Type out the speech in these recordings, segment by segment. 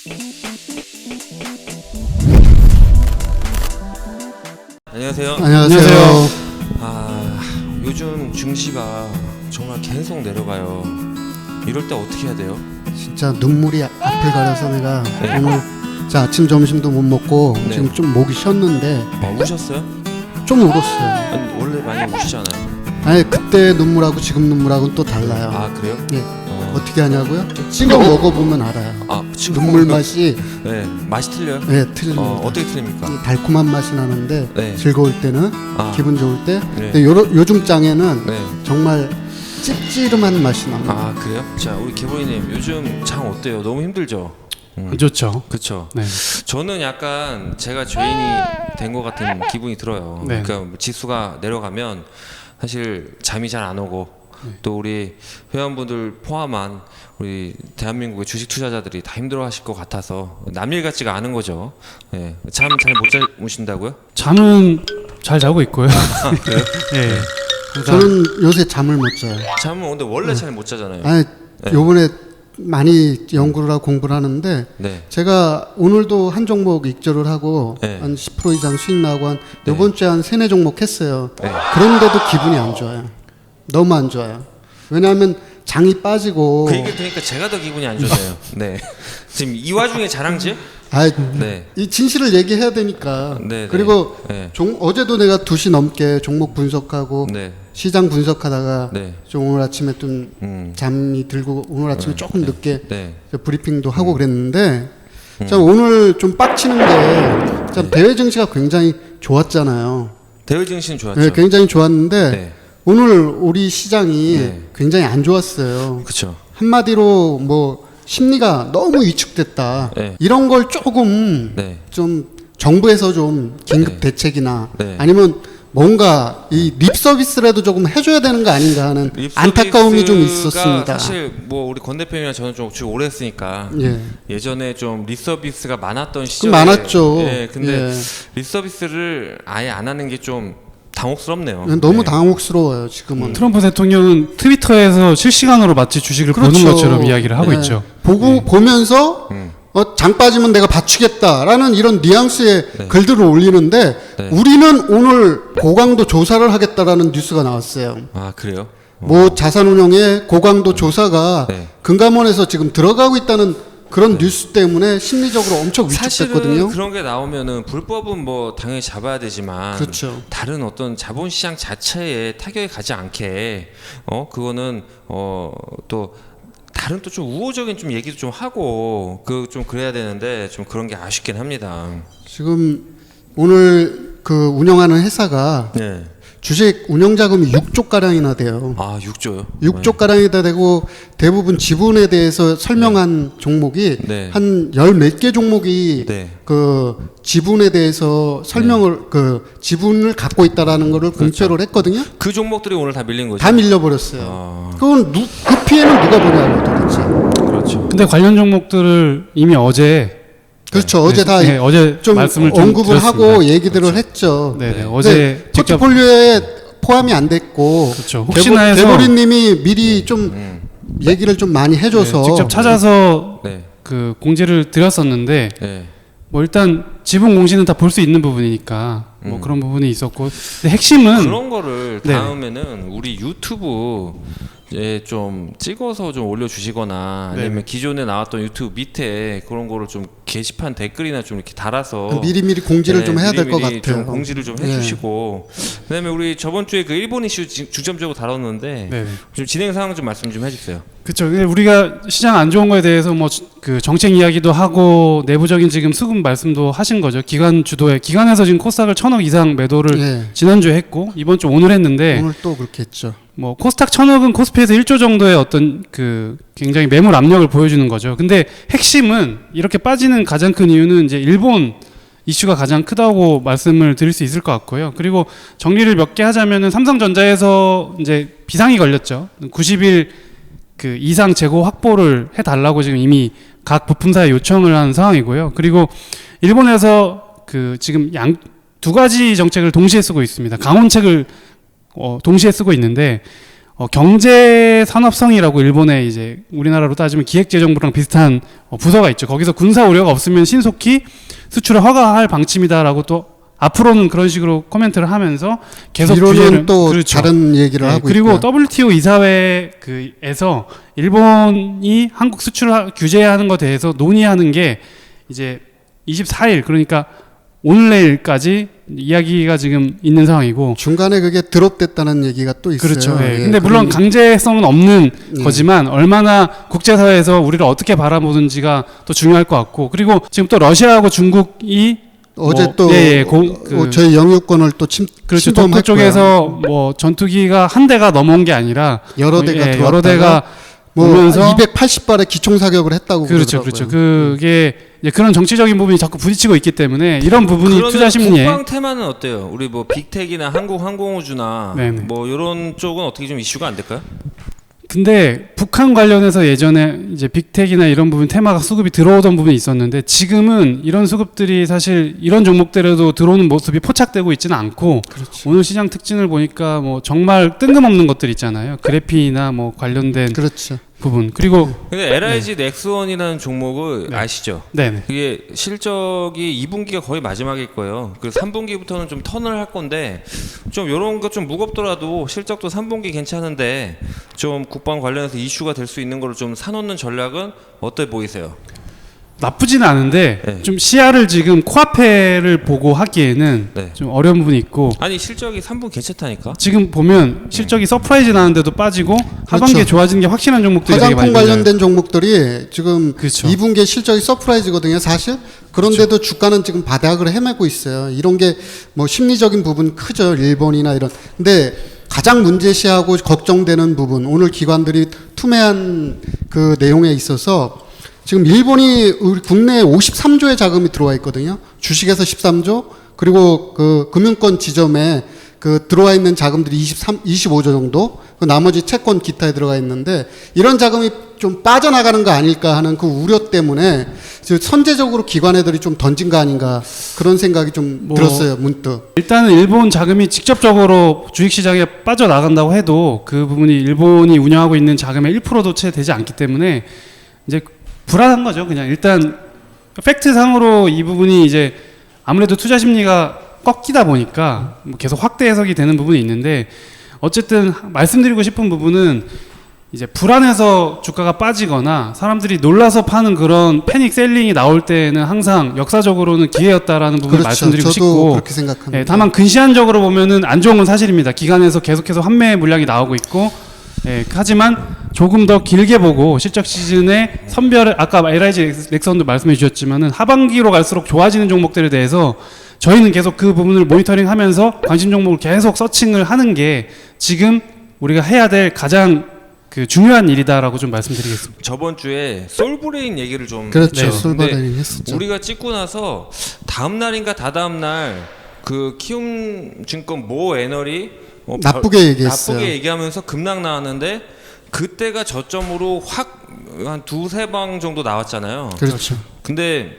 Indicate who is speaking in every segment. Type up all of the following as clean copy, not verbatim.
Speaker 1: 안녕하세요.
Speaker 2: 안녕하세요.
Speaker 1: 요즘 증시가 정말 계속 내려가요. 이럴 때 어떻게 해야 돼요?
Speaker 2: 진짜 눈물이 앞을 가려서 내가
Speaker 1: 네.
Speaker 2: 오늘 아침 점심도 못 먹고
Speaker 1: 네.
Speaker 2: 지금 좀 목이 쉬었는데
Speaker 1: 우셨어요?
Speaker 2: 좀 울었어요.
Speaker 1: 아니, 원래 많이 우시잖아요.
Speaker 2: 아니 그때 눈물하고 지금 눈물하고는 또 달라요.
Speaker 1: 그래요?
Speaker 2: 예. 어떻게 하냐고요? 찍어 먹어보면 알아요.
Speaker 1: 지금
Speaker 2: 눈물 맛이
Speaker 1: 네, 맛이 틀려요?
Speaker 2: 네, 틀립니다.
Speaker 1: 어떻게 틀립니까?
Speaker 2: 이 달콤한 맛이 나는데
Speaker 1: 네.
Speaker 2: 즐거울 때는 기분 좋을 때
Speaker 1: 네.
Speaker 2: 근데 요즘 장에는
Speaker 1: 네.
Speaker 2: 정말 찝찝한 맛이 납니다.
Speaker 1: 그래요? 자, 우리 개보이님 요즘 장 어때요? 너무 힘들죠?
Speaker 3: 안 좋죠.
Speaker 1: 그렇죠.
Speaker 3: 네.
Speaker 1: 저는 약간 제가 죄인이 된 것 같은 기분이 들어요.
Speaker 3: 네.
Speaker 1: 그러니까 지수가 내려가면 사실 잠이 잘 안 오고 또 우리 회원분들 포함한 우리 대한민국의 주식 투자자들이 다 힘들어하실 것 같아서 남일 같지가 않은 거죠. 네. 잠 잘 못 자무신다고요?
Speaker 3: 잠은 잘 자고 있고요.
Speaker 1: 그래요?
Speaker 3: 네.
Speaker 2: 저는 요새 잠을 못 자요.
Speaker 1: 잠은 근데 원래 잘 못 자잖아요.
Speaker 2: 아니
Speaker 1: 네.
Speaker 2: 요번에 많이 연구를 하고 공부를 하는데
Speaker 1: 네.
Speaker 2: 제가 오늘도 한 종목 익절을 하고
Speaker 1: 네.
Speaker 2: 한 10% 이상 수익 나고 한
Speaker 1: 네.
Speaker 2: 이번 주에 한 3-4종목 했어요.
Speaker 1: 네.
Speaker 2: 그런데도 기분이 안 좋아요. 너무 안 좋아요. 왜냐하면 장이 빠지고
Speaker 1: 그 얘기 들으니까 제가 더 기분이 안 좋네요. 네. 지금 이 와중에 자랑질? 네.
Speaker 2: 이 진실을 얘기해야 되니까.
Speaker 1: 네,
Speaker 2: 그리고
Speaker 1: 네.
Speaker 2: 어제도 내가 2시 넘게 종목 분석하고
Speaker 1: 네.
Speaker 2: 시장 분석하다가
Speaker 1: 네.
Speaker 2: 좀 오늘 아침에 좀 잠이 들고 오늘 아침에 조금 늦게
Speaker 1: 네.
Speaker 2: 브리핑도 하고 그랬는데 참 오늘 좀 빡치는 게 참 대외 증시가 굉장히 좋았잖아요.
Speaker 1: 대외 증시는 좋았죠.
Speaker 2: 네, 굉장히 좋았는데
Speaker 1: 네.
Speaker 2: 오늘 우리 시장이
Speaker 1: 네.
Speaker 2: 굉장히 안 좋았어요.
Speaker 1: 그렇죠.
Speaker 2: 한마디로 뭐 심리가 너무 위축됐다.
Speaker 1: 네.
Speaker 2: 이런 걸 조금
Speaker 1: 네.
Speaker 2: 좀 정부에서 좀 긴급
Speaker 1: 네.
Speaker 2: 대책이나
Speaker 1: 네.
Speaker 2: 아니면 뭔가 이 립 서비스라도 조금 해줘야 되는 거 아닌가 하는
Speaker 1: 립
Speaker 2: 안타까움이 좀
Speaker 1: 서비스가
Speaker 2: 있었습니다.
Speaker 1: 사실 뭐 우리 권 대표님이랑 저는 좀 주로 오래 했으니까
Speaker 2: 예.
Speaker 1: 예전에 좀 립서비스가 많았던 시절에
Speaker 2: 많았죠.
Speaker 1: 예, 근데
Speaker 2: 예.
Speaker 1: 립서비스를 아예 안 하는 게 좀 당혹스럽네요.
Speaker 2: 너무
Speaker 1: 네.
Speaker 2: 당혹스러워요 지금은.
Speaker 3: 트럼프 대통령은 트위터에서 실시간으로 마치 주식을
Speaker 2: 그렇죠.
Speaker 3: 보는 것처럼 이야기를 하고
Speaker 2: 예.
Speaker 3: 있죠.
Speaker 2: 보면서 장 빠지면 내가 받치겠다라는 이런 뉘앙스의 글들을 올리는데
Speaker 1: 네.
Speaker 2: 우리는 오늘 고강도 조사를 하겠다라는 뉴스가 나왔어요.
Speaker 1: 그래요?
Speaker 2: 뭐 자산운용의 고강도 조사가
Speaker 1: 네.
Speaker 2: 금감원에서 지금 들어가고 있다는 그런 뉴스 때문에 심리적으로 엄청 위축됐거든요.
Speaker 1: 사실은 그런 게 나오면은 불법은 뭐 당연히 잡아야 되지만
Speaker 2: 그렇죠.
Speaker 1: 다른 어떤 자본시장 자체에 타격이 가지 않게 그거는 또 다른 또 좀 우호적인 좀 얘기도 좀 하고 좀 그래야 되는데 좀 그런 게 아쉽긴 합니다.
Speaker 2: 지금 오늘 그 운영하는 회사가
Speaker 1: 네.
Speaker 2: 주식 운영 자금이 6조 가량이나 돼요.
Speaker 1: 6조요?
Speaker 2: 6조 가량이다 되고 대부분 지분에 대해서 설명한 종목이
Speaker 1: 네.
Speaker 2: 한 열 몇 개 종목이
Speaker 1: 네.
Speaker 2: 그 지분에 대해서 설명을 그 지분을 갖고 있다라는 거를 공표를 했거든요.
Speaker 1: 그 종목들이 오늘 다 밀린 거죠?
Speaker 2: 다 밀려버렸어요. 그건 그 피해는 누가 보냐고 도대체.
Speaker 1: 그렇죠.
Speaker 3: 근데 관련 종목들을 이미 어제
Speaker 2: 그렇죠. 어제 다
Speaker 3: 어제
Speaker 2: 좀
Speaker 3: 말씀을 좀
Speaker 2: 언급을
Speaker 3: 드렸습니다.
Speaker 2: 하고 얘기들을 했죠.
Speaker 3: 네,
Speaker 1: 네.
Speaker 3: 어제 직접
Speaker 2: 포트폴리오에 포함이 안 됐고
Speaker 3: 그렇죠. 혹시나 해서
Speaker 2: 대보리님이 미리 좀 얘기를 좀 많이 해줘서
Speaker 3: 직접 찾아서
Speaker 1: 네.
Speaker 3: 그 공지를 드렸었는데
Speaker 1: 네.
Speaker 3: 뭐 일단 지분 공시는 다 볼 수 있는 부분이니까 뭐 그런 부분이 있었고 근데 핵심은
Speaker 1: 그런 거를
Speaker 3: 네.
Speaker 1: 다음에는 우리 유튜브에 좀 찍어서 좀 올려주시거나 아니면
Speaker 3: 네.
Speaker 1: 기존에 나왔던 유튜브 밑에 그런 거를 좀 게시판 댓글이나 좀 이렇게 달아서
Speaker 2: 미리미리 공지를
Speaker 1: 네,
Speaker 2: 좀 해야 될 것
Speaker 1: 미리미리
Speaker 2: 같아요.
Speaker 1: 좀 공지를 좀
Speaker 2: 네.
Speaker 1: 해주시고 그다음에 우리 저번 주에 그 일본 이슈 중점적으로 다뤘는데
Speaker 3: 네.
Speaker 1: 좀 진행 상황 좀 말씀 좀 해주세요.
Speaker 3: 그렇죠. 우리가 시장 안 좋은 거에 대해서 뭐 그 정책 이야기도 하고 내부적인 지금 수급 말씀도 하신 거죠. 기관 주도에 기관에서 지금 코스닥을 1,000억 이상 매도를
Speaker 2: 예.
Speaker 3: 지난주에 했고 이번 주 오늘 했는데
Speaker 2: 오늘 또 그렇게 했죠.
Speaker 3: 뭐 코스닥 1,000억은 코스피에서 1조 정도의 어떤 그 굉장히 매물 압력을 보여주는 거죠. 근데 핵심은 이렇게 빠지는 가장 큰 이유는 이제 일본 이슈가 가장 크다고 말씀을 드릴 수 있을 것 같고요. 그리고 정리를 몇 개 하자면은 삼성전자에서 이제 비상이 걸렸죠. 90일 그 이상 재고 확보를 해달라고 지금 이미 각 부품사에 요청을 한 상황이고요. 그리고 일본에서 그 지금 두 가지 정책을 동시에 쓰고 있습니다. 강원책을 동시에 쓰고 있는데 경제 산업성이라고 일본의 이제 우리나라로 따지면 기획재정부랑 비슷한 부서가 있죠. 거기서 군사 우려가 없으면 신속히 수출을 허가할 방침이다라고 또 앞으로는 그런 식으로 코멘트를 하면서 계속
Speaker 2: 뒤로는
Speaker 3: 규제를
Speaker 2: 또
Speaker 3: 그렇죠.
Speaker 2: 다른 얘기를 하고
Speaker 3: 그리고
Speaker 2: 있고요.
Speaker 3: WTO 이사회에서 일본이 한국 수출을 규제하는 것에 대해서 논의하는 게 이제 24일 그러니까 오늘 내일까지 이야기가 지금 있는 상황이고
Speaker 2: 중간에 그게 드롭됐다는 얘기가 또 있어요.
Speaker 3: 그렇죠. 예.
Speaker 2: 예,
Speaker 3: 근데 물론 강제성은 없는
Speaker 2: 예.
Speaker 3: 거지만 얼마나 국제사회에서 우리를 어떻게 바라보는지가 또 중요할 것 같고 그리고 지금 또 러시아하고 중국이
Speaker 2: 어제
Speaker 3: 뭐,
Speaker 2: 또 저희 영유권을 또
Speaker 3: 그렇죠.
Speaker 2: 침범했고요.
Speaker 3: 독도 쪽에서 뭐 전투기가 한 대가 넘어온 게 아니라
Speaker 2: 여러 대가 들어왔다가
Speaker 3: 여러 대가
Speaker 2: 뭐
Speaker 3: 오면서
Speaker 2: 280발의 기총 사격을 했다고
Speaker 3: 그렇죠,
Speaker 2: 그러더라고요.
Speaker 3: 그렇죠. 그게 이제 그런 정치적인 부분이 자꾸 부딪히고 있기 때문에 이런 부분이
Speaker 1: 그러면
Speaker 3: 투자 심리에
Speaker 1: 국방 테마는 어때요? 우리 뭐 빅텍이나 한국 항공우주나
Speaker 3: 네네.
Speaker 1: 뭐 이런 쪽은 어떻게 좀 이슈가 안 될까요?
Speaker 3: 근데 북한 관련해서 예전에 이제 빅텍이나 이런 부분 테마가 수급이 들어오던 부분이 있었는데 지금은 이런 수급들이 사실 이런 종목들에도 들어오는 모습이 포착되고 있지는 않고
Speaker 2: 그렇죠.
Speaker 3: 오늘 시장 특징을 보니까 뭐 정말 뜬금없는 것들 있잖아요. 그래피나 뭐 관련된
Speaker 2: 그렇죠.
Speaker 3: 부분 그리고
Speaker 1: 근데 LIG 넥스원이라는 종목을
Speaker 3: 네.
Speaker 1: 아시죠?
Speaker 3: 네네
Speaker 1: 그게 실적이 2분기가 거의 마지막일 거예요. 그 3분기부터는 좀 턴을 할 건데 좀 이런 거 좀 무겁더라도 실적도 3분기 괜찮은데 좀 국방 관련해서 이슈가 될 수 있는 거를 좀 사놓는 전략은 어때 보이세요?
Speaker 3: 나쁘지는 않은데
Speaker 1: 네.
Speaker 3: 좀 시야를 지금 코앞에를 보고 하기에는
Speaker 1: 네.
Speaker 3: 좀 어려운 부분이 있고
Speaker 1: 아니 실적이 3분 괜찮다니까.
Speaker 3: 지금 보면 실적이 서프라이즈 나는데도 빠지고 하반기에
Speaker 2: 그렇죠.
Speaker 3: 좋아지는 게 확실한 종목들이 되게 많이
Speaker 2: 화장품
Speaker 3: 보여요.
Speaker 2: 관련된 종목들이 지금
Speaker 3: 그렇죠.
Speaker 2: 2분기에 실적이 서프라이즈거든요, 사실. 그런데도 주가는 지금 바닥을 헤매고 있어요. 이런 게 뭐 심리적인 부분 크죠, 일본이나 이런. 근데 가장 문제시하고 걱정되는 부분, 오늘 기관들이 투매한 그 내용에 있어서 지금 일본이 우리 국내에 53조의 자금이 들어와 있거든요. 주식에서 13조, 그리고 그 금융권 지점에 그 들어와 있는 자금들이 25조 정도, 그 나머지 채권 기타에 들어가 있는데 이런 자금이 좀 빠져나가는 거 아닐까 하는 그 우려 때문에 선제적으로 기관 애들이 좀 던진 거 아닌가 그런 생각이 좀 들었어요, 문득.
Speaker 3: 일단은 일본 자금이 직접적으로 주식시장에 빠져나간다고 해도 그 부분이 일본이 운영하고 있는 자금의 1%도 채 되지 않기 때문에 이제 불안한 거죠. 그냥 일단 팩트상으로 이 부분이 이제 아무래도 투자 심리가 꺾이다 보니까 뭐 계속 확대 해석이 되는 부분이 있는데 어쨌든 말씀드리고 싶은 부분은 이제 불안해서 주가가 빠지거나 사람들이 놀라서 파는 그런 패닉 셀링이 나올 때는 항상 역사적으로는 기회였다라는 부분을
Speaker 2: 그렇죠.
Speaker 3: 말씀드리고
Speaker 2: 저도
Speaker 3: 싶고
Speaker 2: 그렇게 생각합니다.
Speaker 3: 예, 다만 근시안적으로 보면은 안 좋은 건 사실입니다. 기간에서 계속해서 환매 물량이 나오고 있고 예, 하지만 조금 더 길게 보고 실적 시즌에 선별을 아까 LIG 넥슨도 말씀해 주셨지만은 하반기로 갈수록 좋아지는 종목들에 대해서 저희는 계속 그 부분을 모니터링하면서 관심 종목을 계속 서칭을 하는 게 지금 우리가 해야 될 가장 그 중요한 일이다라고 좀 말씀드리겠습니다.
Speaker 1: 저번 주에 솔브레인 얘기를 좀
Speaker 2: 그렇죠.
Speaker 1: 했죠.
Speaker 2: 솔바다니
Speaker 1: 근데
Speaker 2: 했었죠.
Speaker 1: 우리가 찍고 나서 다음 날인가 다다음 날 그 키움증권 모 애널이
Speaker 2: 나쁘게 얘기했어요.
Speaker 1: 나쁘게 얘기하면서 급락 나왔는데 그때가 저점으로 확 한 두세 방 정도 나왔잖아요.
Speaker 2: 그렇죠.
Speaker 1: 근데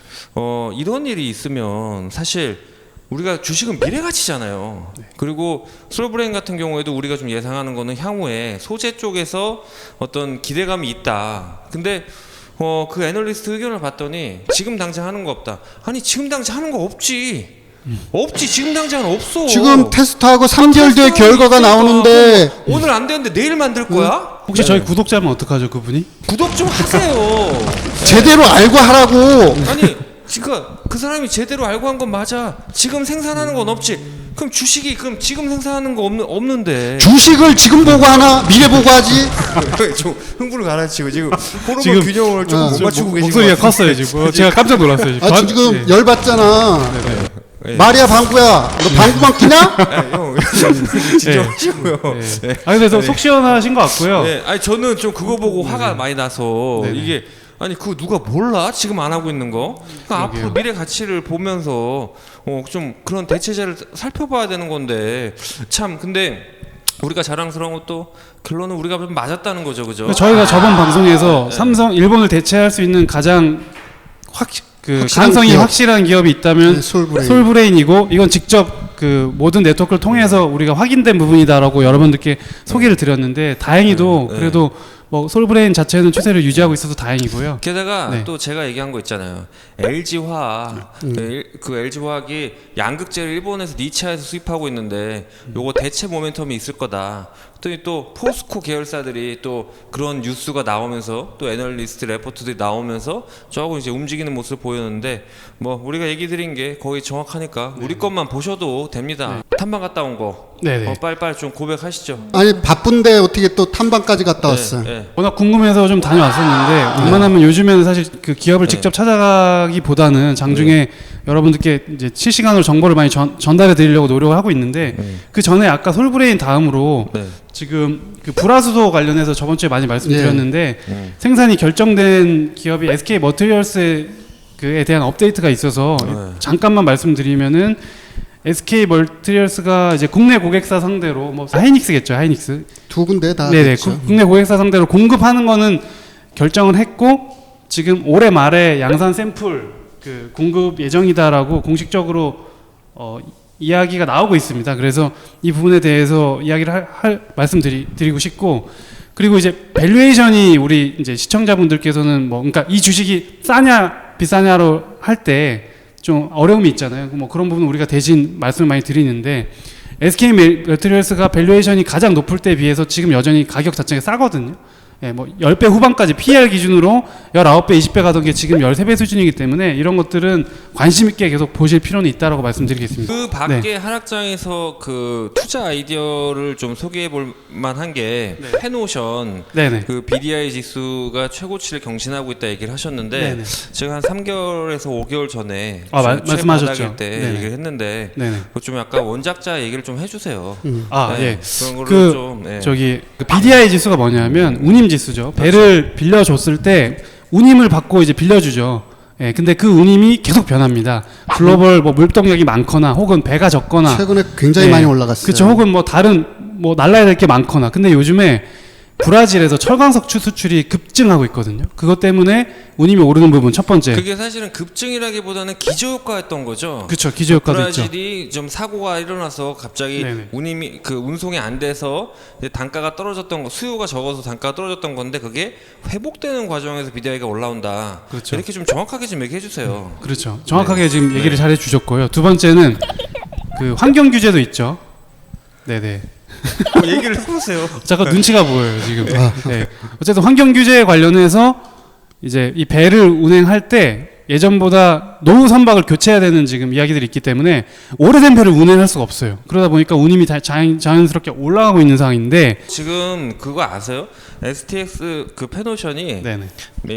Speaker 1: 이런 일이 있으면 사실 우리가 주식은 미래 가치잖아요. 그리고 솔브레인 같은 경우에도 우리가 좀 예상하는 거는 향후에 소재 쪽에서 어떤 기대감이 있다. 근데 그 애널리스트 의견을 봤더니 지금 당장 하는 거 없다. 아니 지금 당장 하는 거 없지. 없지 지금 당장은 없어.
Speaker 2: 지금 테스트하고 3개월 뒤에 결과가 나오는데
Speaker 1: 오늘 안 되는데 내일 만들 거야?
Speaker 3: 혹시 저희 구독자면 어떡하죠, 그분이?
Speaker 1: 구독 좀 하세요.
Speaker 2: 제대로 알고 하라고.
Speaker 1: 아니 그러니까 그 사람이 제대로 알고 한 건 맞아. 지금 생산하는 건 없지. 그럼 주식이 그럼 지금 생산하는 거 없는데.
Speaker 2: 주식을 지금 보고 하나 미래 보고 하지.
Speaker 1: 좀 흥분을 가라앉히고 지금 호르몬
Speaker 3: 지금-
Speaker 1: 균형을 조금 못 맞추고 계신
Speaker 3: 목소리가
Speaker 1: 것 같아요.
Speaker 3: 컸어요 지금. 제가 깜짝 놀랐어요.
Speaker 2: 아 지금
Speaker 3: 예.
Speaker 2: 열받잖아.
Speaker 1: 예.
Speaker 2: 마리아 방구야, 너 방구만 끼냐?
Speaker 1: 아, 형 진정하시고요.
Speaker 3: 예. 아 근데 속 시원하신 것 같고요.
Speaker 1: 네, 아니 저는 좀 그거 보고 화가 많이 나서
Speaker 3: 네네.
Speaker 1: 이게 아니 그거 누가 몰라 지금 안 하고 있는 거? 그러니까 앞으로 미래 가치를 보면서 좀 그런 대체제를 살펴봐야 되는 건데 참 근데 우리가 자랑스러운 것도 결론은 우리가 좀 맞았다는 거죠, 그죠?
Speaker 3: 저희가 저번 방송에서 삼성 일본을 대체할 수 있는 가장 그
Speaker 2: 확실한
Speaker 3: 가능성이
Speaker 2: 기업.
Speaker 3: 확실한 기업이 있다면
Speaker 2: 네, 솔브레인.
Speaker 3: 솔브레인이고 이건 직접 그 모든 네트워크를 통해서 우리가 확인된 부분이다라고 여러분들께 소개를 드렸는데 다행히도
Speaker 1: 네.
Speaker 3: 그래도 뭐 솔브레인 자체는 추세를 유지하고 있어서 다행이고요.
Speaker 1: 게다가
Speaker 3: 네.
Speaker 1: 또 제가 얘기한 거 있잖아요. LG화학 그 LG화학이 양극재를 일본에서 니치아에서 수입하고 있는데 요거 대체 모멘텀이 있을 거다. 또 포스코 계열사들이 또 그런 뉴스가 나오면서 또 애널리스트 레포트들이 나오면서 조금 이제 움직이는 모습을 보였는데 뭐 우리가 얘기 드린 게 거의 정확하니까 우리 것만 보셔도 됩니다. 탐방 갔다 온 거
Speaker 3: 네네.
Speaker 1: 빨리빨리 좀 고백하시죠.
Speaker 2: 아니 바쁜데 어떻게 또 탐방까지 갔다 왔어요?
Speaker 1: 네.
Speaker 3: 워낙 궁금해서 좀 다녀왔었는데 웬만하면 요즘에는 사실 그 기업을 직접 찾아가기보다는 장중에 여러분들께 이제 실시간으로 정보를 많이 전달해 드리려고 노력을 하고 있는데 그 전에 아까 솔브레인 다음으로
Speaker 1: 네.
Speaker 3: 지금 그 불화수소 관련해서 저번 주에 많이 말씀드렸는데 생산이 결정된 기업이 SK 머티리얼스에 대한 업데이트가 있어서 잠깐만 말씀드리면은 SK 머티리얼스가 이제 국내 고객사 상대로 뭐 하이닉스겠죠, 하이닉스.
Speaker 2: 두 군데 다
Speaker 3: 네네.
Speaker 2: 됐죠.
Speaker 3: 국내 고객사 상대로 공급하는 거는 결정을 했고 지금 올해 말에 양산 샘플 그 공급 예정이다라고 공식적으로 이야기가 나오고 있습니다. 그래서 이 부분에 대해서 이야기를 말씀드리고 싶고 그리고 이제 밸류에이션이 우리 이제 시청자분들께서는 뭐 그러니까 이 주식이 싸냐 비싸냐로 할 때 좀 어려움이 있잖아요. 뭐 그런 부분 우리가 대신 말씀을 많이 드리는데 SK 머티리얼스가 밸류에이션이 가장 높을 때에 비해서 지금 여전히 가격 자체가 싸거든요. 예, 뭐 10배 후반까지 PER 기준으로 19배, 20배 가던 게 지금 13배 수준이기 때문에 이런 것들은 관심 있게 계속 보실 필요는 있다라고 말씀드리겠습니다.
Speaker 1: 그 밖에 하락장에서 그 투자 아이디어를 좀 소개해 볼 만한 게 페노션
Speaker 3: 네네.
Speaker 1: 그 BDI 지수가 최고치를 경신하고 있다 얘기를 하셨는데
Speaker 3: 네네.
Speaker 1: 제가 한 3개월에서 5개월 전에
Speaker 3: 말씀하셨죠.
Speaker 1: 최바닥일 때
Speaker 3: 네네.
Speaker 1: 얘기를 했는데
Speaker 3: 네네.
Speaker 1: 그거 좀 약간 원작자 얘기를 좀 해주세요.
Speaker 3: 아,
Speaker 1: 네,
Speaker 3: 예.
Speaker 1: 그런 거를
Speaker 3: 그
Speaker 1: 좀
Speaker 3: 저기 그 BDI 지수가 뭐냐면 운임 지수죠. 배를 빌려줬을 때 운임을 받고 이제 빌려주죠. 예, 근데 그 운임이 계속 변합니다. 글로벌 뭐 물동력이 많거나 혹은 배가 적거나
Speaker 2: 최근에 굉장히
Speaker 3: 예,
Speaker 2: 많이 올라갔어요.
Speaker 3: 그렇죠. 혹은 뭐 다른 뭐 날라야 될 게 많거나. 근데 요즘에 브라질에서 철광석 수출이 급증하고 있거든요. 그것 때문에 운임이 오르는 부분 첫 번째.
Speaker 1: 그게 사실은 급증이라기보다는 기저효과였던 거죠.
Speaker 3: 그렇죠. 기저효과도 있죠.
Speaker 1: 브라질이 좀 사고가 일어나서 갑자기
Speaker 3: 네네.
Speaker 1: 운임이 그 운송이 안 돼서 이제 단가가 떨어졌던 거, 수요가 적어서 단가가 떨어졌던 건데 그게 회복되는 과정에서 BDI가 올라온다.
Speaker 3: 그렇죠.
Speaker 1: 이렇게 좀 정확하게 좀 얘기해 주세요.
Speaker 3: 그렇죠. 정확하게 지금 얘기를 잘 해주셨고요. 두 번째는 그 환경 규제도 있죠. 네네.
Speaker 1: 얘기를 해보세요.
Speaker 3: 잠깐 눈치가 보여요 지금. 네. 어쨌든 환경 규제에 관련해서 이제 이 배를 운행할 때 예전보다 노후 선박을 교체해야 되는 지금 이야기들이 있기 때문에 오래된 배를 운행할 수가 없어요. 그러다 보니까 운임이 자연스럽게 올라가고 있는 상황인데
Speaker 1: 지금 그거 아세요? STX 그 페노션이
Speaker 3: 네네.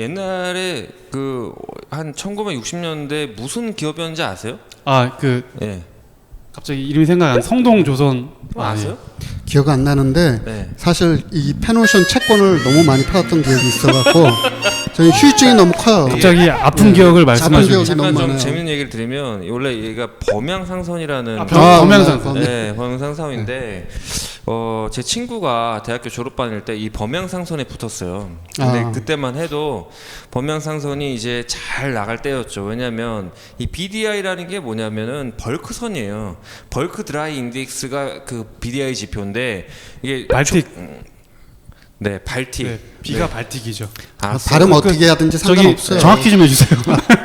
Speaker 1: 옛날에 그 한 1960년대 무슨 기업이었는지 아세요?
Speaker 3: 아 그
Speaker 1: 예.
Speaker 3: 갑자기 이름이 생각 안 성동조선
Speaker 1: 아세요?
Speaker 2: 기억 안 나는데
Speaker 1: 네.
Speaker 2: 사실 이 페노션 채권을 너무 많이 팔았던 기억이 있어갖고 저희 휴유증이 너무 커요.
Speaker 3: 갑자기 아픈 기억을 말씀하시고
Speaker 2: 기억이
Speaker 1: 잠깐
Speaker 2: 너무
Speaker 1: 좀
Speaker 2: 많아요.
Speaker 1: 재밌는 얘기를 드리면 원래 얘가 범양상선이라는
Speaker 3: 범양상선.
Speaker 1: 네, 범양상사인데 제 친구가 대학교 졸업반일 때 이 범양상선에 붙었어요. 근데
Speaker 2: 아.
Speaker 1: 그때만 해도 범양상선이 이제 잘 나갈 때였죠. 왜냐하면 이 BDI라는 게 뭐냐면은 벌크선이에요. 벌크 드라이 인덱스가 그 BDI 지표인데 이게
Speaker 3: 발틱.
Speaker 1: 네, 발틱.
Speaker 3: 네, B가 발틱이죠.
Speaker 1: 알았어요.
Speaker 2: 발음 어떻게 하든지
Speaker 3: 저기
Speaker 2: 상관없어요.
Speaker 3: 정확히 좀 해주세요.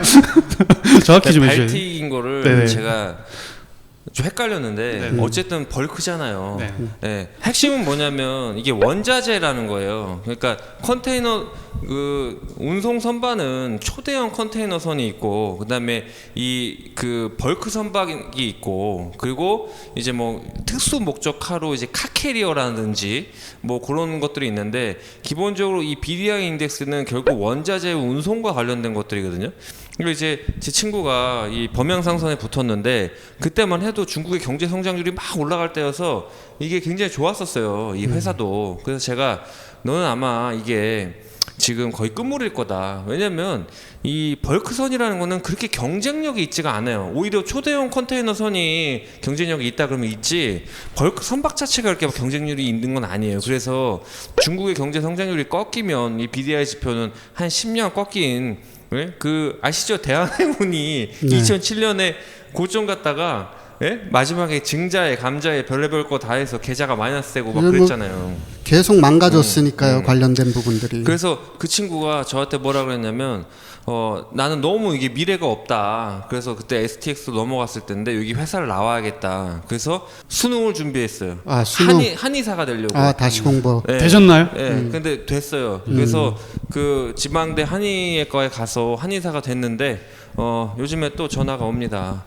Speaker 3: 정확히 좀 해주세요.
Speaker 1: 발틱인 거를
Speaker 3: 네네.
Speaker 1: 제가 좀 헷갈렸는데 어쨌든 벌크잖아요.
Speaker 3: 네.
Speaker 1: 네. 핵심은 뭐냐면 이게 원자재라는 거예요. 그러니까 컨테이너 그 운송 선반은 초대형 컨테이너 선이 있고 그다음에 이 그 벌크 선박이 있고 그리고 이제 뭐 특수 목적하로 이제 카캐리어라든지 뭐 그런 것들이 있는데 기본적으로 이 BDI 인덱스는 결국 원자재 운송과 관련된 것들이거든요. 그리고 이제 제 친구가 이 범양상선에 붙었는데 그때만 해도 중국의 경제 성장률이 막 올라갈 때여서 이게 굉장히 좋았었어요. 이 회사도. 그래서 제가 너는 아마 이게 지금 거의 끝물일 거다. 왜냐면 이 벌크선이라는 거는 그렇게 경쟁력이 있지가 않아요. 오히려 초대형 컨테이너 선이 경쟁력이 있다 그러면 있지 벌크 선박 자체가 그렇게 경쟁률이 있는 건 아니에요. 그래서 중국의 경제 성장률이 꺾이면 이 BDI 지표는 한 10년 꺾인 그 아시죠? 대한해운이 2007년에 고점 갔다가 예? 마지막에 증자에 감자에 별의별 거 다 해서 계좌가 마이너스 되고 막
Speaker 2: 뭐
Speaker 1: 그랬잖아요.
Speaker 2: 계속 망가졌으니까요. 관련된 부분들이.
Speaker 1: 그래서 그 친구가 저한테 뭐라 그랬냐면 나는 너무 이게 미래가 없다. 그래서 그때 STX로 넘어갔을 때인데 여기 회사를 나와야겠다. 그래서 수능을 준비했어요.
Speaker 2: 아, 수능.
Speaker 1: 한의사가 되려고.
Speaker 2: 아, 다시 공부.
Speaker 1: 예.
Speaker 3: 되셨나요?
Speaker 1: 예. 근데 됐어요. 그래서 그 지방대 한의과에 가서 한의사가 됐는데 요즘에 또 전화가 옵니다.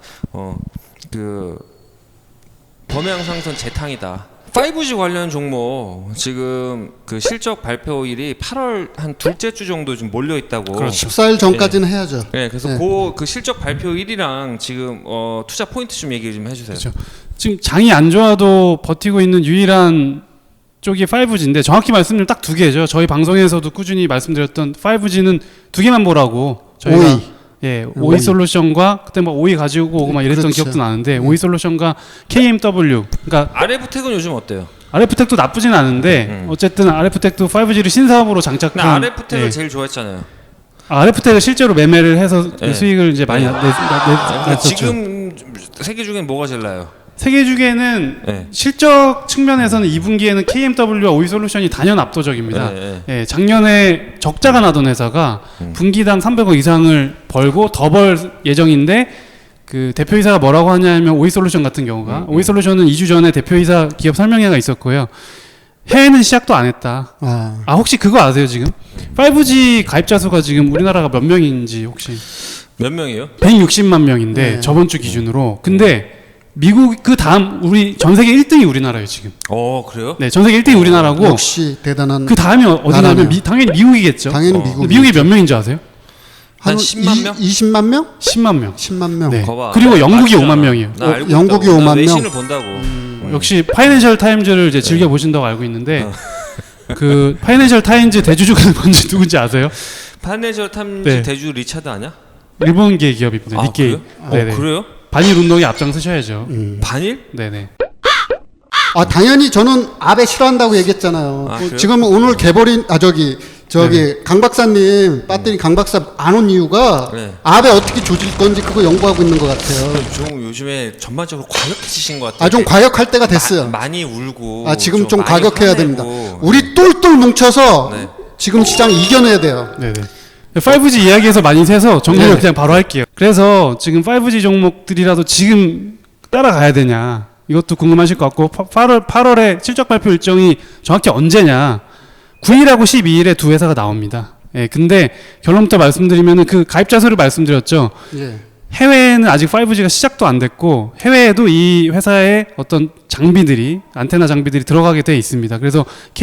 Speaker 1: 그 범양상선 재탕이다. 5G 관련 종목 지금 그 실적 발표일이 8월 한 둘째 주 정도 좀 몰려 있다고.
Speaker 3: 그렇죠.
Speaker 2: 14일 전까지는 해야죠.
Speaker 1: 네, 그래서
Speaker 2: 네.
Speaker 1: 그 실적 발표일이랑 지금 투자 포인트 좀 얘기 좀 해주세요.
Speaker 3: 그렇죠. 지금 장이 안 좋아도 버티고 있는 유일한 쪽이 5G인데 정확히 말씀드리면 딱 두 개죠. 저희 방송에서도 꾸준히 말씀드렸던 5G는 두 개만 보라고 저희가
Speaker 2: 오이.
Speaker 3: 예, 오이 솔루션과 그때 뭐 오이 가지고 오고 막 이랬던
Speaker 2: 그렇죠.
Speaker 3: 기억도 나는데 오이 솔루션과 KMW 그러니까
Speaker 1: RF텍은 요즘 어때요?
Speaker 3: RF텍도 나쁘진 않은데 어쨌든 RF텍도 5G를 신사업으로
Speaker 1: 근데
Speaker 3: 장착한
Speaker 1: RF텍을
Speaker 3: 예.
Speaker 1: 제일 좋아했잖아요.
Speaker 3: RF텍을 실제로 매매를 해서
Speaker 1: 예.
Speaker 3: 수익을 이제 많이
Speaker 1: 근데
Speaker 3: 냈었죠.
Speaker 1: 지금 세계 중엔 뭐가 제일 나요?
Speaker 3: 세계 주계는
Speaker 1: 예.
Speaker 3: 실적 측면에서는 2분기에는 KMW와 오이솔루션이 단연 압도적입니다.
Speaker 1: 예.
Speaker 3: 예, 작년에 적자가 나던 회사가 분기당 300억 이상을 벌고 더 벌 예정인데 그 대표이사가 뭐라고 하냐면 오이솔루션 같은 경우가 오이솔루션은 2주 전에 대표이사 기업 설명회가 있었고요. 해외는 시작도 안 했다.
Speaker 2: 아,
Speaker 3: 혹시 그거 아세요 지금? 5G 가입자 수가 지금 우리나라가 몇 명인지 혹시?
Speaker 1: 몇 명이요?
Speaker 3: 160만 명인데
Speaker 2: 네.
Speaker 3: 저번 주 기준으로. 근데 미국 그 다음 우리 전 세계 1등이 우리나라예요 지금.
Speaker 1: 그래요?
Speaker 3: 네, 전 세계 1등이 우리나라고
Speaker 2: 역시 대단한.
Speaker 3: 그 다음이 어디냐면
Speaker 2: 나라네요.
Speaker 3: 당연히 미국이겠죠.
Speaker 2: 당연히
Speaker 3: 근데 미국이 몇 명인지 아세요?
Speaker 1: 한 10만 명?
Speaker 2: 20만 명?
Speaker 3: 10만 명.
Speaker 2: 10만 명.
Speaker 3: 네.
Speaker 1: 거봐.
Speaker 3: 그리고 영국이
Speaker 1: 아시잖아.
Speaker 3: 5만 명이에요.
Speaker 1: 나 알고
Speaker 2: 영국이
Speaker 1: 있다고. 나
Speaker 2: 5만 명?
Speaker 1: 외신을 본다고.
Speaker 3: 역시 파이낸셜 타임즈를 이제 즐겨 보신다고 알고 있는데 그 파이낸셜 타임즈 대주주가 뭔지 누군지 아세요?
Speaker 1: 파이낸셜 타임즈
Speaker 3: 네.
Speaker 1: 대주 리차드 아니야?
Speaker 3: 일본계 기업입니다. 니케이.
Speaker 1: 그래요?
Speaker 3: 네네.
Speaker 1: 그래요?
Speaker 3: 반일 운동에 앞장서셔야죠.
Speaker 1: 반일?
Speaker 3: 네네.
Speaker 2: 아, 당연히 저는 아베 싫어한다고 얘기했잖아요.
Speaker 1: 아, 그래요?
Speaker 2: 지금 오늘 개버린 저기 강 박사님 배터리 강 박사 안 온 이유가
Speaker 1: 네.
Speaker 2: 아베 어떻게 조질 건지 그거 연구하고 있는 것 같아요.
Speaker 1: 좀 요즘에 전반적으로 과격해지신 것 같아요.
Speaker 2: 아, 좀 과격할 때가 됐어요.
Speaker 1: 많이 울고.
Speaker 2: 아, 지금 좀
Speaker 1: 많이
Speaker 2: 과격해야
Speaker 1: 화내고.
Speaker 2: 됩니다. 우리 똘똘 뭉쳐서
Speaker 1: 네.
Speaker 2: 지금 시장 이겨내야 돼요.
Speaker 3: 네네. 5G 이야기에서 많이 새서 정리를
Speaker 2: 네네.
Speaker 3: 그냥 바로 할게요. 그래서 지금 5G 종목들이라도 지금 따라가야 되냐 이것도 궁금하실 것 같고 8월에 실적 발표 일정이 정확히 언제냐 9일하고 12일에 두 회사가 나옵니다. 예, 근데 결론부터 말씀드리면은 그 가입자 수를 말씀드렸죠.
Speaker 2: 예.
Speaker 3: 해외에는 아직 5G가 시작도 안 됐고 해외에도 이 회사의 어떤 장비들이 안테나 장비들이 들어가게 돼 있습니다. 그래서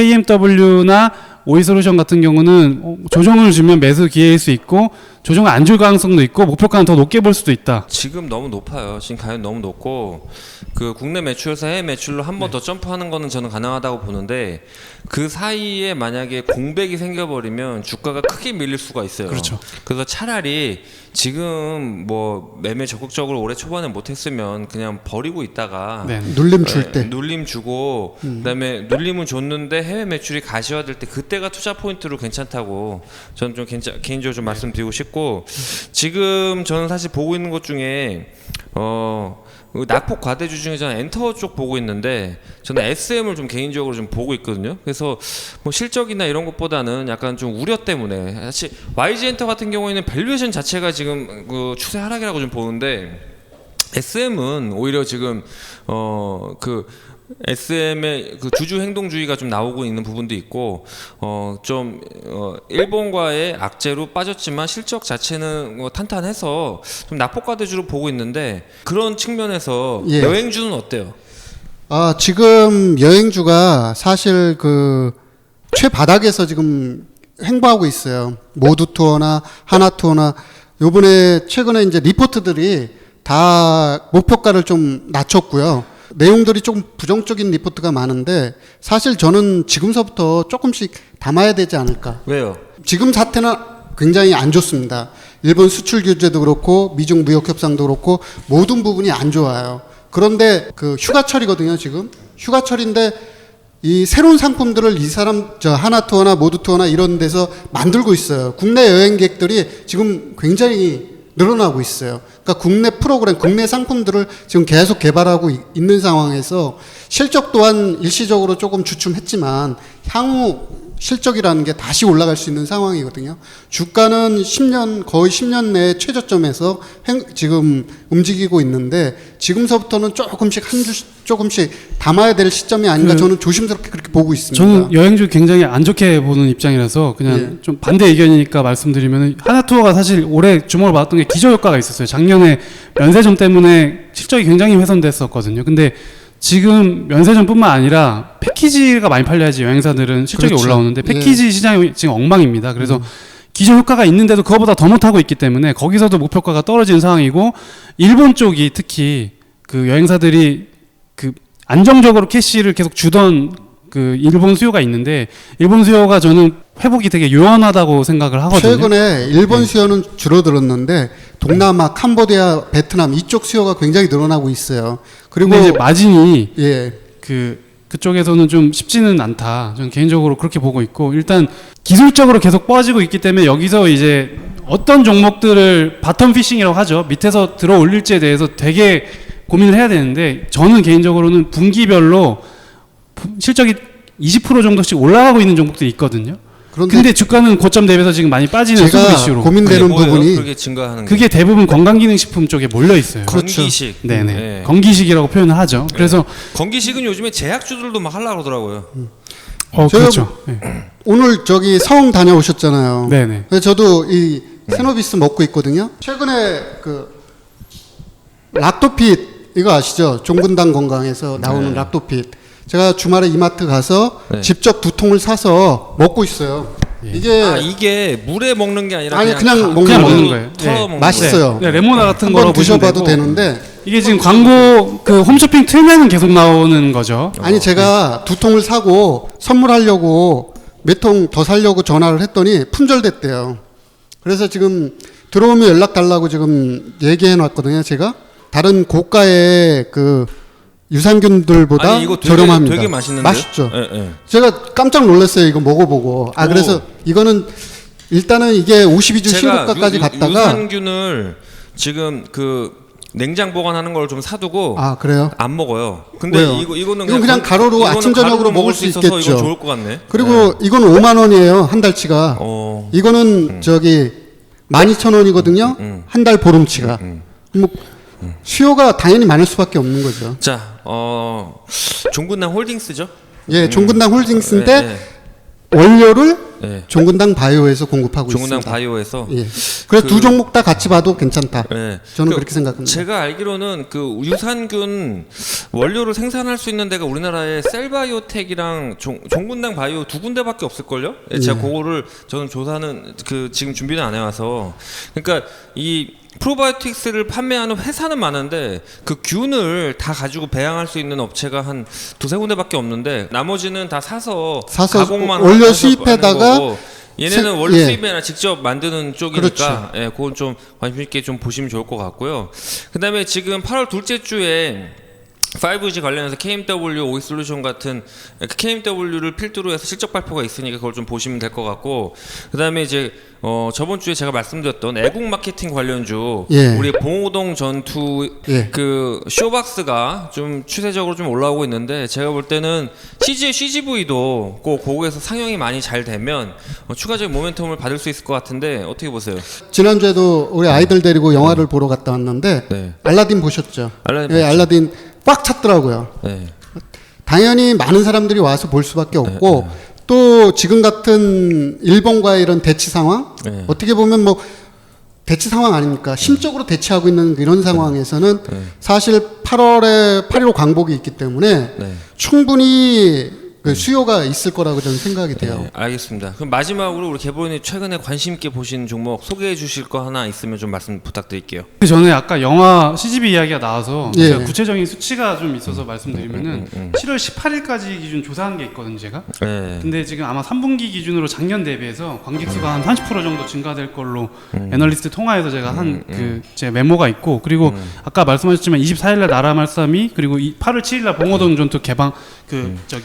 Speaker 3: KMW나 오이솔루션 같은 경우는 조정을 주면 매수 기회일 수 있고 조정을 안 줄 가능성도 있고 목표가는 더 높게 볼 수도 있다.
Speaker 1: 지금 너무 높아요. 지금 가격 너무 높고 그 국내 매출에서 해외 매출로 한 번 더 점프하는 거는 저는 가능하다고 보는데 그 사이에 만약에 공백이 생겨버리면 주가가 크게 밀릴 수가 있어요.
Speaker 3: 그렇죠.
Speaker 1: 그래서 차라리 지금 뭐 매매 적극적으로 올해 초반에 못했으면 그냥 버리고 있다가
Speaker 3: 네.
Speaker 2: 눌림 줄 때.
Speaker 1: 눌림 주고 그다음에 눌림은 줬는데 해외 매출이 가시화될 때 그때가 투자 포인트로 괜찮다고 저는 좀 개인적으로 좀 말씀드리고 싶고 지금 저는 사실 보고 있는 것 중에 낙폭 과대주 중에 저는 엔터 쪽 보고 있는데 저는 SM을 좀 개인적으로 좀 보고 있거든요. 그래서 뭐 실적이나 이런 것보다는 약간 좀 우려 때문에 사실 YG 엔터 같은 경우에는 밸류에이션 자체가 지금 그 추세 하락이라고 좀 보는데 SM은 오히려 지금 그 SM의 그 주주 행동주의가 좀 나오고 있는 부분도 있고 일본과의 악재로 빠졌지만 실적 자체는 탄탄해서 좀 낙폭과대주로 보고 있는데 그런 측면에서
Speaker 2: 예.
Speaker 1: 여행주는 어때요?
Speaker 2: 아, 지금 여행주가 사실 그 최바닥에서 지금 행보하고 있어요. 모두 투어나 하나 투어나 요번에 최근에 이제 리포트들이 다 목표가를 좀 낮췄고요. 내용들이 조금 부정적인 리포트가 많은데 사실 저는 지금서부터 조금씩 담아야 되지 않을까.
Speaker 1: 왜요?
Speaker 2: 지금 사태는 굉장히 안 좋습니다. 일본 수출 규제도 그렇고 미중 무역 협상도 그렇고 모든 부분이 안 좋아요. 그런데 그 휴가철이거든요, 지금. 휴가철인데 이 새로운 상품들을 이 사람 하나투어나 모두투어나 이런 데서 만들고 있어요. 국내 여행객들이 지금 굉장히 늘어나고 있어요. 그러니까 국내 프로그램, 국내 상품들을 지금 계속 개발하고 있는 상황에서 실적 또한 일시적으로 조금 주춤했지만 향후 실적이라는 게 다시 올라갈 수 있는 상황이거든요. 주가는 10년, 거의 10년 내 최저점에서 지금 움직이고 있는데 지금서부터는 조금씩 한 주씩 조금씩 담아야 될 시점이 아닌가 저는 조심스럽게 그렇게 보고 있습니다.
Speaker 3: 저는 여행주 굉장히 안 좋게 보는 입장이라서 그냥
Speaker 2: 예.
Speaker 3: 좀 반대 의견이니까 말씀드리면 하나투어가 사실 올해 주목을 받았던 게 기저효과가 있었어요. 작년에 면세점 때문에 실적이 굉장히 훼손됐었거든요. 근데 지금 면세점뿐만 아니라 패키지가 많이 팔려야지 여행사들은 실적이
Speaker 2: 그렇죠.
Speaker 3: 올라오는데 패키지 시장이 지금 엉망입니다. 그래서 기저효과가 있는데도 그거보다 더 못하고 있기 때문에 거기서도 목표가가 떨어지는 상황이고 일본 쪽이 특히 그 여행사들이 그 안정적으로 캐시를 계속 주던 그 일본 수요가 있는데 일본 수요가 저는 회복이 되게 요원하다고 생각을 하거든요.
Speaker 2: 최근에 일본 수요는 줄어들었는데 동남아, 캄보디아, 베트남 이쪽 수요가 굉장히 늘어나고 있어요. 그리고
Speaker 3: 근데 이제 마진이
Speaker 2: 예.
Speaker 3: 그쪽에서는 좀 쉽지는 않다. 저는 개인적으로 그렇게 보고 있고 일단 기술적으로 계속 빠지고 있기 때문에 여기서 이제 어떤 종목들을 바텀 피싱이라고 하죠. 밑에서 들어 올릴지에 대해서 되게 고민을 해야 되는데 저는 개인적으로는 분기별로 실적이 20% 정도씩 올라가고 있는 종목들이 있거든요.
Speaker 2: 그런데
Speaker 3: 근데 주가는 고점 대비해서 지금 많이 빠지는 수급
Speaker 2: 제가
Speaker 3: 이슈로
Speaker 2: 고민되는
Speaker 1: 뭐예요?
Speaker 2: 부분이
Speaker 1: 그렇게 증가하는 게.
Speaker 3: 그게 대부분 건강기능식품 쪽에 몰려 있어요.
Speaker 2: 그렇죠.
Speaker 1: 건기식.
Speaker 3: 네네.
Speaker 1: 네.
Speaker 3: 건기식이라고 표현을 하죠. 그래서
Speaker 1: 건기식은 요즘에 제약주들도 막 하려고 그러더라고요.
Speaker 2: 제가
Speaker 3: 그렇죠. 네.
Speaker 2: 오늘 저기 서울 다녀오셨잖아요.
Speaker 3: 네네.
Speaker 2: 그래서 저도 이 세노비스 먹고 있거든요. 최근에 그 락토핏 이거 아시죠? 종근당 건강에서 나오는
Speaker 1: 네.
Speaker 2: 락토핏. 제가 주말에 이마트 가서
Speaker 1: 네.
Speaker 2: 직접 2통을 사서 먹고 있어요.
Speaker 1: 이게 물에 먹는 게 아니라
Speaker 2: 아니, 그냥
Speaker 3: 그냥 먹는 거예요.
Speaker 1: 털어
Speaker 3: 네.
Speaker 1: 먹는
Speaker 2: 맛있어요.
Speaker 3: 네, 레모나 같은 거로
Speaker 2: 한번
Speaker 3: 보시면
Speaker 2: 드셔봐도
Speaker 3: 되고.
Speaker 2: 되는데
Speaker 3: 이게 지금 광고 그 홈쇼핑 틀면은 계속 나오는 거죠.
Speaker 2: 아니 제가 2통을 사고 선물하려고 몇 통 더 사려고 전화를 했더니 품절됐대요. 그래서 지금 들어오면 연락 달라고 지금 얘기해 놨거든요. 제가 다른 고가의 그 유산균들보다
Speaker 1: 아니, 이거 되게,
Speaker 2: 저렴합니다.
Speaker 1: 되게 맛있는데요?
Speaker 2: 맛있죠.
Speaker 1: 예, 예.
Speaker 2: 제가 깜짝 놀랐어요. 이거 먹어보고. 아 그래서 이거는 일단은 이게 52주 신고가까지 갔다가
Speaker 1: 유산균을 지금 그 냉장 보관하는 걸 좀 사두고
Speaker 2: 아 그래요.
Speaker 1: 안 먹어요. 근데
Speaker 2: 왜요?
Speaker 1: 이거는
Speaker 2: 이건 그냥 가로로
Speaker 1: 이거는
Speaker 2: 아침 저녁으로
Speaker 1: 가루로
Speaker 2: 먹을 수
Speaker 1: 있어서
Speaker 2: 있겠죠.
Speaker 1: 이거 좋을 것 같네.
Speaker 2: 그리고 이건 5만 원이에요. 한 달치가.
Speaker 1: 어.
Speaker 2: 이거는 저기 12,000원이거든요. 한 달 보름치가. 뭐 수요가 당연히 많을 수밖에 없는 거죠.
Speaker 1: 자, 종근당 홀딩스죠?
Speaker 2: 예, 종근당 홀딩스인데
Speaker 1: 예,
Speaker 2: 원료를
Speaker 1: 예.
Speaker 2: 종근당 바이오에서 공급하고
Speaker 1: 종근당
Speaker 2: 있습니다.
Speaker 1: 바이오에서
Speaker 2: 예. 그래서 두 종목 다 같이 봐도 괜찮다.
Speaker 1: 예.
Speaker 2: 저는 그렇게 생각합니다.
Speaker 1: 제가 알기로는 그 유산균 원료를 생산할 수 있는 데가 우리나라에 셀바이오텍이랑 종근당 바이오 두 군데밖에 없을걸요? 예, 제가 그거를 저는 조사는 그 지금 준비는 안 해와서 그러니까 이 프로바이오틱스를 판매하는 회사는 많은데 그 균을 다 가지고 배양할 수 있는 업체가 한 두세 군데밖에 없는데 나머지는 다 사서 가공만
Speaker 2: 원료
Speaker 1: 해서
Speaker 2: 수입해다가
Speaker 1: 하는 거고 얘네는 원료
Speaker 2: 예.
Speaker 1: 수입이 아니라 직접 만드는 쪽이니까
Speaker 2: 그렇죠.
Speaker 1: 예, 그건 좀 관심 있게 좀 보시면 좋을 것 같고요. 그다음에 지금 8월 둘째 주에 5G 관련해서 KMW, 오이솔루션 같은 KMW를 필두로 해서 실적 발표가 있으니까 그걸 좀 보시면 될 것 같고 그다음에 이제 저번 주에 제가 말씀드렸던 애국 마케팅 관련주
Speaker 2: 예.
Speaker 1: 우리 봉오동 전투
Speaker 2: 예.
Speaker 1: 그 쇼박스가 좀 추세적으로 좀 올라오고 있는데 제가 볼 때는 CGV도 꼭 고국에서 상영이 많이 잘 되면 추가적인 모멘텀을 받을 수 있을 것 같은데 어떻게 보세요?
Speaker 2: 지난주에도 우리 아이들 데리고 영화를 보러 갔다 왔는데
Speaker 1: 네.
Speaker 2: 알라딘 보셨죠?
Speaker 1: 알라딘
Speaker 2: 예,
Speaker 1: 봤죠.
Speaker 2: 알라딘 꽉 찼더라고요.
Speaker 1: 네.
Speaker 2: 당연히 많은 사람들이 와서 볼 수밖에 없고 또 지금 같은 일본과의 이런 대치 상황
Speaker 1: 네.
Speaker 2: 어떻게 보면 뭐 대치 상황 아닙니까? 심적으로 대치하고 있는 이런 상황에서는 사실 8월에 8.15 광복이 있기 때문에
Speaker 1: 네.
Speaker 2: 충분히 그 수요가 있을 거라고 저는 생각이 돼요.
Speaker 1: 네, 알겠습니다. 그럼 마지막으로 우리 개보님 최근에 관심 있게 보신 종목 소개해 주실 거 하나 있으면 좀 말씀 부탁드릴게요.
Speaker 3: 그 전에 아까 영화 CGV 이야기가 나와서
Speaker 2: 예.
Speaker 3: 제가 구체적인 수치가 좀 있어서 말씀드리면은 7월 18일까지 기준 조사한 게 있거든요, 제가.
Speaker 1: 네.
Speaker 3: 근데 지금 아마 3분기 기준으로 작년 대비해서 관객 수가 한 30% 정도 증가될 걸로 애널리스트 통화에서 제가 한 그 제 메모가 있고 그리고 아까 말씀하셨지만 24일 날 나라 말싸미 그리고 8월 7일 날 봉오동 전투 개방 그 저기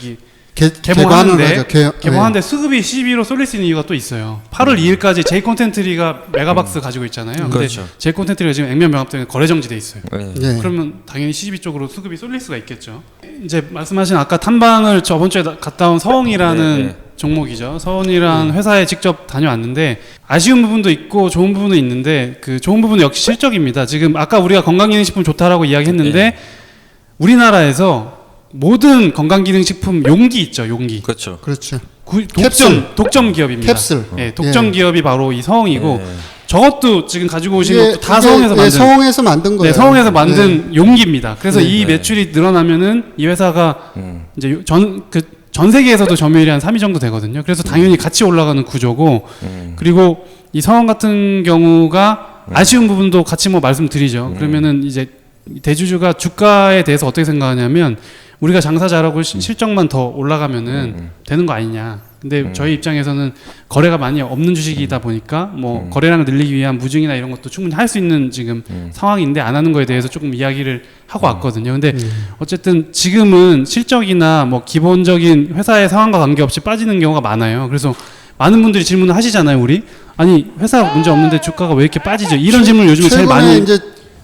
Speaker 3: 개봉하는데
Speaker 2: 거죠.
Speaker 3: 개봉하는데 수급이 12로 쏠릴 수 있는 이유가 또 있어요. 8월 2일까지 제이 콘텐트리가 메가박스 가지고 있잖아요. 근데
Speaker 1: 그렇죠.
Speaker 3: 제이 콘텐트리가 지금 액면 병합 때문에 거래 정지돼 있어요.
Speaker 1: 네.
Speaker 2: 네.
Speaker 3: 그러면 당연히 CGV 쪽으로 수급이 쏠릴 수가 있겠죠. 이제 말씀하신 아까 탐방을 저번 주에 갔다 온 서원이라는
Speaker 1: 네, 네.
Speaker 3: 종목이죠. 서원이라는 회사에 직접 다녀왔는데 아쉬운 부분도 있고 좋은 부분도 있는데 그 좋은 부분은 역시 실적입니다. 지금 아까 우리가 건강기능식품 좋다라고 이야기했는데
Speaker 1: 네.
Speaker 3: 우리나라에서 모든 건강기능식품 용기 있죠. 용기.
Speaker 1: 그렇죠.
Speaker 2: 그렇죠.
Speaker 3: 독점 독점 기업입니다.
Speaker 2: 캡슐.
Speaker 3: 예, 독점
Speaker 2: 예.
Speaker 3: 기업이 바로 이 서원이고
Speaker 1: 네.
Speaker 3: 저것도 지금 가지고 오신
Speaker 2: 이게-
Speaker 3: 것도 다
Speaker 2: 이게,
Speaker 3: 서원에서 만든
Speaker 2: 서원에서 만든 거예요.
Speaker 3: 네, 서원에서 만든 용기입니다. 그래서
Speaker 2: 네.
Speaker 3: 이 매출이 늘어나면은 이 회사가
Speaker 1: 음.
Speaker 3: 이제 전 세계에서도 점유율이 한 3위 정도 되거든요. 그래서 당연히 같이 올라가는 구조고 그리고 이 서원 같은 경우가 아쉬운 부분도 같이 뭐 말씀드리죠. 그러면은 이제 대주주가 주가에 대해서 어떻게 생각하냐면 우리가 장사 잘하고 실적만 더 올라가면은 되는 거 아니냐. 근데 저희 입장에서는 거래가 많이 없는 주식이다 보니까 뭐 거래량을 늘리기 위한 무증이나 이런 것도 충분히 할 수 있는 지금 상황인데 안 하는 거에 대해서 조금 이야기를 하고 왔거든요. 근데 어쨌든 지금은 실적이나 뭐 기본적인 회사의 상황과 관계없이 빠지는 경우가 많아요. 그래서 많은 분들이 질문을 하시잖아요, 우리. 아니, 회사 문제 없는데 주가가 왜 이렇게 빠지죠? 이런 질문을 요즘에 제일
Speaker 2: 최근에
Speaker 3: 많이
Speaker 2: 이제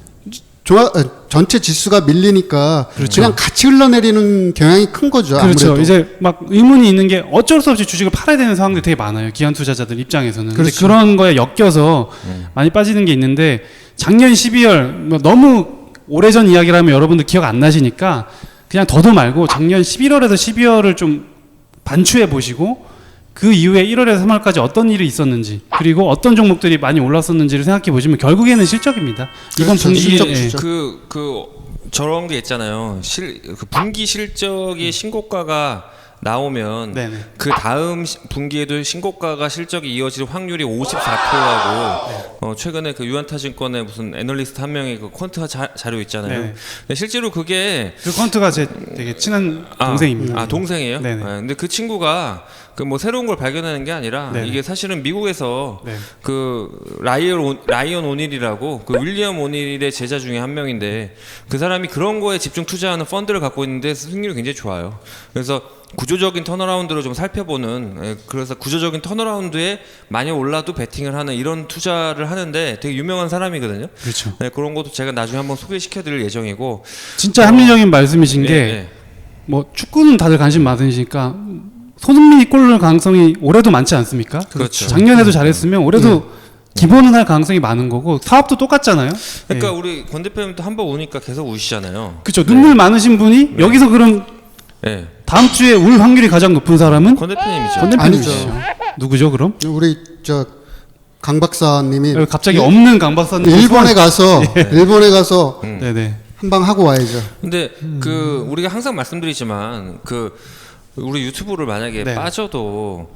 Speaker 2: 전체 지수가 밀리니까
Speaker 3: 그렇죠.
Speaker 2: 그냥 같이 흘러내리는 경향이 큰 거죠.
Speaker 3: 그렇죠.
Speaker 2: 아무래도.
Speaker 3: 이제 막 의문이 있는 게 어쩔 수 없이 주식을 팔아야 되는 상황들이 되게 많아요. 기관 투자자들 입장에서는. 근데
Speaker 2: 그렇죠.
Speaker 3: 그런 거에 엮여서 많이 빠지는 게 있는데 작년 12월 뭐 너무 오래전 이야기라면 여러분들 기억 안 나시니까 그냥 더도 말고 작년 11월에서 12월을 좀 반추해 보시고 그 이후에 1월에서 3월까지 어떤 일이 있었는지 그리고 어떤 종목들이 많이 올랐었는지를 생각해 보시면 결국에는 실적입니다. 이건
Speaker 2: 그렇죠.
Speaker 3: 분기
Speaker 2: 실적
Speaker 3: 예.
Speaker 2: 주죠.
Speaker 1: 저런 게 있잖아요. 그 분기 실적이 신고가가 나오면
Speaker 3: 네네.
Speaker 1: 그 다음 분기에도 신고가가 실적이 이어질 확률이 54%라고 최근에 그 유한타증권의 무슨 애널리스트 한 명의 그 퀀트 자료 있잖아요.
Speaker 3: 네네.
Speaker 1: 근데 실제로 그게
Speaker 3: 그 퀀트가 제 되게 친한 동생입니다.
Speaker 1: 아 동생이에요?
Speaker 3: 네네.
Speaker 1: 근데 그 친구가 그 뭐 새로운 걸 발견하는 게 아니라
Speaker 3: 네네.
Speaker 1: 이게 사실은 미국에서
Speaker 3: 네.
Speaker 1: 그 라이언 오닐이라고 그 윌리엄 오닐의 제자 중에 한 명인데 그 사람이 그런 거에 집중 투자하는 펀드를 갖고 있는데 수익률이 굉장히 좋아요. 그래서 구조적인 턴어라운드를 좀 살펴보는 그래서 구조적인 턴어라운드에 많이 올라도 베팅을 하는 이런 투자를 하는데 되게 유명한 사람이거든요.
Speaker 3: 그렇죠.
Speaker 1: 네, 그런 것도 제가 나중에 한번 소개시켜드릴 예정이고
Speaker 3: 진짜 합리적인 말씀이신
Speaker 1: 예,
Speaker 3: 게
Speaker 1: 예.
Speaker 3: 뭐 축구는 다들 관심 많으시니까 손흥민이 골 넣을 가능성이 올해도 많지 않습니까?
Speaker 1: 그렇죠.
Speaker 3: 작년에도 잘했으면 올해도 기본은 할 가능성이 많은 거고 사업도 똑같잖아요.
Speaker 1: 그러니까
Speaker 3: 예.
Speaker 1: 우리 권 대표님도 한 번 오니까 계속 우시잖아요.
Speaker 3: 그렇죠. 눈물 많으신 분이 여기서 그럼
Speaker 1: 네.
Speaker 3: 다음 주에 올 확률이 가장 높은 사람은
Speaker 1: 권 대표님이죠.
Speaker 3: 권
Speaker 2: 아니죠.
Speaker 3: 대표님이시죠. 누구죠, 그럼?
Speaker 2: 우리 강 박사님이
Speaker 3: 여기 갑자기 없는 강 박사님
Speaker 2: 일본에 가서
Speaker 3: 네네.
Speaker 2: 한 방 하고 와야죠.
Speaker 1: 근데 그 우리가 항상 말씀드리지만 그 우리 유튜브를 만약에
Speaker 3: 네.
Speaker 1: 빠져도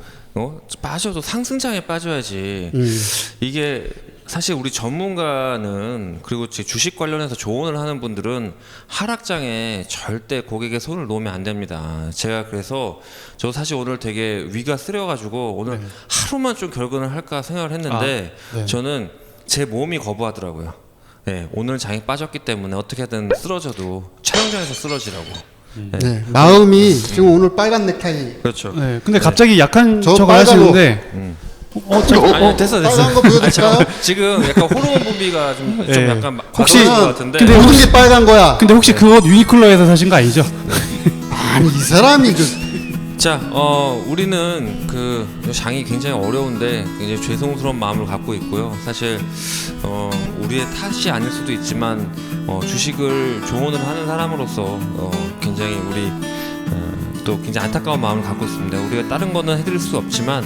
Speaker 1: 상승장에 빠져야지. 이게 사실 우리 전문가는 그리고 제 주식 관련해서 조언을 하는 분들은 하락장에 절대 고객의 손을 놓으면 안 됩니다. 제가 그래서 저 사실 오늘 되게 위가 쓰려가지고 오늘 하루만 좀 결근을 할까 생각을 했는데
Speaker 3: 네.
Speaker 1: 저는 제 몸이 거부하더라고요. 네, 오늘 장이 빠졌기 때문에 어떻게든 쓰러져도 촬영장에서 쓰러지라고.
Speaker 2: 네. 마음이 지금 오늘 빨간 넥타이.
Speaker 1: 그렇죠.
Speaker 3: 네. 근데 갑자기 약한
Speaker 2: 저
Speaker 3: 척을
Speaker 2: 빨간로.
Speaker 3: 하시는데
Speaker 1: 아니, 됐어.
Speaker 2: 빨간 거 보여드릴까요?
Speaker 1: 잠깐만. 지금 약간 호르몬 분비가 좀
Speaker 3: 네.
Speaker 1: 약간
Speaker 3: 혹시-
Speaker 1: 과도한 것 같은데.
Speaker 3: 근데
Speaker 2: 모든 게 빨간 거야.
Speaker 3: 근데 혹시 그 옷 유니클로에서 사신 거 아니죠?
Speaker 2: 아니 이 사람이
Speaker 1: 자, 우리는 그 장이 굉장히 어려운데 굉장히 죄송스러운 마음을 갖고 있고요. 사실 우리의 탓이 아닐 수도 있지만 주식을 조언을 하는 사람으로서 굉장히 우리 또 굉장히 안타까운 마음을 갖고 있습니다. 우리가 다른 거는 해드릴 수 없지만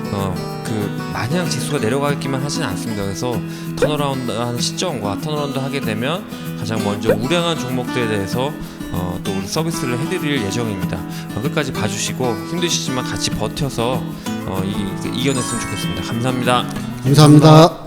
Speaker 1: 그 마냥 지수가 내려가기만 하지는 않습니다. 그래서 턴어라운드 하는 시점과 턴어라운드 하게 되면 가장 먼저 우량한 종목들에 대해서 또 우리 서비스를 해드릴 예정입니다. 끝까지 봐주시고 힘드시지만 같이 버텨서 이겨냈으면 좋겠습니다. 감사합니다.
Speaker 2: 감사합니다.